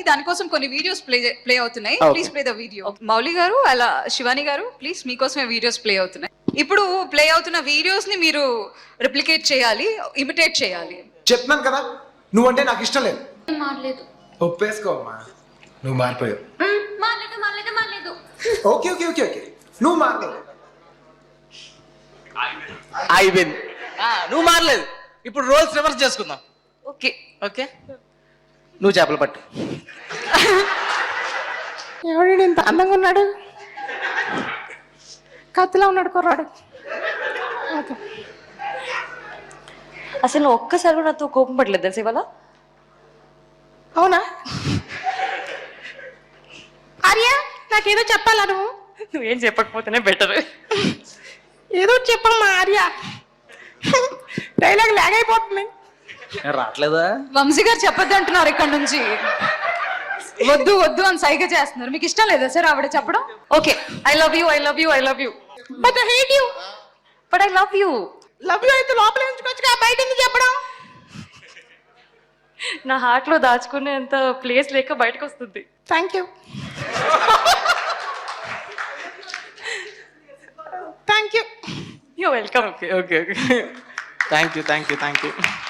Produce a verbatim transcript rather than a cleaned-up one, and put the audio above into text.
దానికోసం కొన్ని videos play play అవుతున్నాయి. Okay. Please play the video. Mouli garu అలా శివాని గారు ప్లీజ్ మీకోసమే వీడియోస్ ప్లే అవుతున్నాయి. ఇప్పుడు ప్లే అవుతున్న వీడియోస్ ని మీరు రిప్లికేట్ చేయాలి, ఇమిటేట్ చేయాలి. చెప్తున్నాను కదా నువ్వంటే నాకు ఇష్టం లేదు. మారలేదు. ఒప్పేసుకోమ్మా, నువ్వు మారిపోయావు. మారలేదు మారలేదు మారలేదు. ఓకే ఓకే ఓకే ఓకే నువ్వు మారలేదు. అయిపోయింది. ఆ, నువ్వు మారలేదు. ఇప్పుడు రోల్స్ రివర్స్ చేసుకుందాం. ఓకే ఓకే, నువ్వు చేపలు పట్టు. ఎవడు ఇంత అందంగా ఉన్నాడు, కత్తిలా ఉన్నాడు కుర్రాడు. ఓకే. అసలు నువ్వు ఒక్కసారి కూడా నాతో కోపం పడలేదు తెలుసు ఇవాళ. అవునా ఆర్య, నాకేదో చెప్పాలా నువ్వు? నువ్వేం చెప్పకపోతేనే బెటర్. ఏదో చెప్పమ్మా ఆర్య, డైలాగ్ లాగ్ అయిపోతుంది. రావట్లేదా? వంశీ గారు చెప్పొద్దు అంటున్నారు ఇక్కడ నుంచి. వద్దు వద్దు అని సైగ చేస్తున్నారు. మీకు ఇష్టం లేదా సార్ ఆవిడ చెప్పడం? Okay, I love you I love you I love you but I hate you. But I love you. Love you అయితే లోపల ఉంచుకోవచ్చుగా, బయట ఎందుకు చెప్పడం? నా హార్ట్ లో దాచుకునేంత ప్లేస్ లేక బయటకు వస్తుంది. Thank you thank you. You welcome. Okay okay okay, thank you thank you thank you.